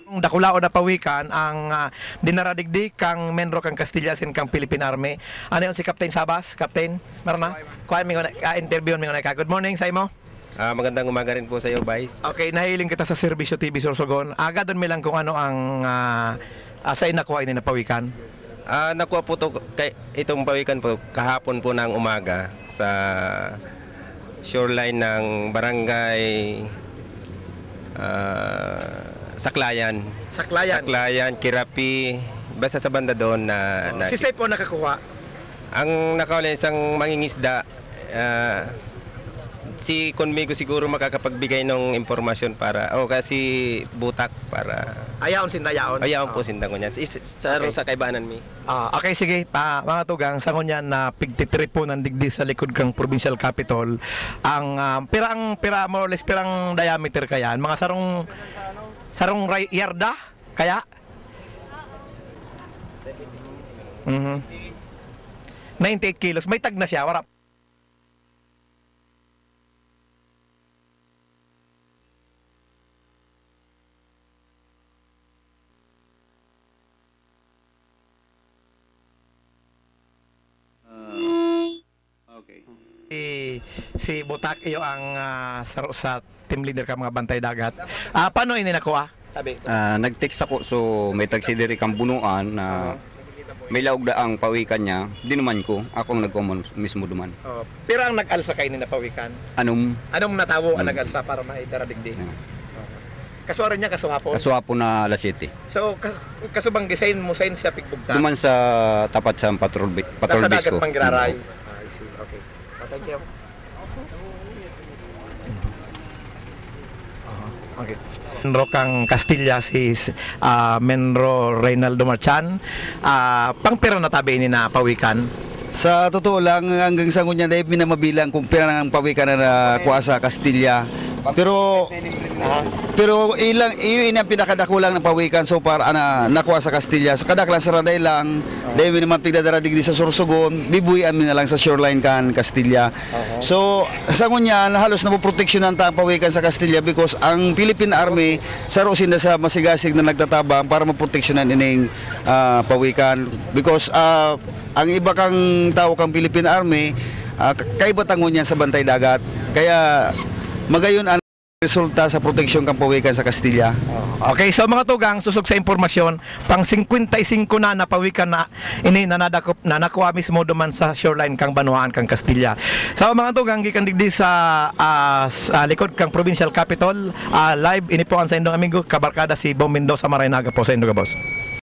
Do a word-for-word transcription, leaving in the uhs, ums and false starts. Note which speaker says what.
Speaker 1: Dakulao na pawikan ang uh, dinaradigdi kang Menro kang Castilla sin kang Philippine Army. Ano yun si Captain Sabas? Captain? Meron na? Kuha mi ko na, interview mi ko na ka. Good morning sa imo.
Speaker 2: Ah, magandang umaga rin po sa iyo, Vice.
Speaker 1: Okay, nahiling kita sa Serbisyo T V Sorsogon. Aga doon mi lang kung ano ang uh, uh, sa inakuha ini na pawikan.
Speaker 2: Ah, nakuha po to kay itong pawikan po kahapon po ng umaga sa shoreline ng barangay uh, Saklayan.
Speaker 1: Saklayan.
Speaker 2: Saklayan, Kirapi, basta sa banda doon na, na
Speaker 1: Si Sep po nakakuha.
Speaker 2: ang nakawala isang mangingisda, uh, si Conmigo siguro makakapagbigay ng impormasyon para oh kasi butak para
Speaker 1: Ayaon sindayaon.
Speaker 2: ayaon po
Speaker 1: Oh.
Speaker 2: sindang ko niyan. Sa
Speaker 1: Okay.
Speaker 2: sa kaibanan mi.
Speaker 1: Ah, okay, sige. Pa, mga tugang, sangon yan na pigtitrip po ng digdi sa likod kang provincial capital. Ang ah, pirang, pira, more or less, pirang diameter kaya. Mga sarong, sarong ray- yarda, kaya? Mhm. ninety-eight kilos. May tag na siya, warap.
Speaker 3: Okay.
Speaker 1: Si, si Butak iyo ang ah, sa, sa team leader ka mga bantay dagat. Ah, paano ini nakuha? Sabi.
Speaker 3: Ah, nag-text ako so may tagsidiri kang bunuan na may laog da ang pawikan niya. Di naman ko, akong nagkomon mismo duman.
Speaker 1: Oh, pirang nag-alsa kay ni napawikan.
Speaker 3: Anong
Speaker 1: Anong natawo ang
Speaker 3: Hmm.
Speaker 1: nag-alsa para maidaradigdi?
Speaker 3: Ah.
Speaker 1: Kasuara niya kasuhapon.
Speaker 3: kaswapo na alas siyete.
Speaker 1: So kas, kasubang gisain mo sain siya pigbugta.
Speaker 3: Duman sa tapat sa patrol bi- patrol
Speaker 1: Nasa
Speaker 3: base
Speaker 1: dagat
Speaker 3: ko.
Speaker 1: panggiraray.
Speaker 3: Mm.
Speaker 1: Ah, I see. Okay. Oh, thank you. Uh, okay. Menro kang Castilla si ah, Menro Reynaldo Marchan. Ah, pangpira na tabi ni na pawikan.
Speaker 4: Sa totoo lang, hanggang sa ngunya dahil minamabilang kung pira ng pawikan na nakuha sa Castilla. Pero pero ilang iyon ang pinakadakulang ng pawikan so far ana nakuha sa Castilla. Sa kadaklan sa raday lang, dahil mi naman pigdadara digdi sa Sorsogon, bibuyan mi na lang sa shoreline kan Castilla. So sa ngunya halos na proteksyonan ta ang pawikan sa Castilla because ang Philippine Army sarusin na sa masigasig na nagtatabang para maproteksyonan ining ah, pawikan because ah, ang iba kang tao kang Philippine Army uh, kaiba tangon niya sa bantay dagat kaya magayon ang resulta sa proteksyon kang pawikan sa Castilla.
Speaker 1: Okay, so mga tugang susog sa impormasyon, pang fifty-five na napawikan na ini na nadakop na nakuha mismo duman sa shoreline kang Banuaan kang Castilla. So mga tugang gikan digdi sa, ah, sa likod kang provincial capital, ah, live ini po ang sa indong amigo kabarkada si Bom Mendoza Marainaga po sa Indoga boss.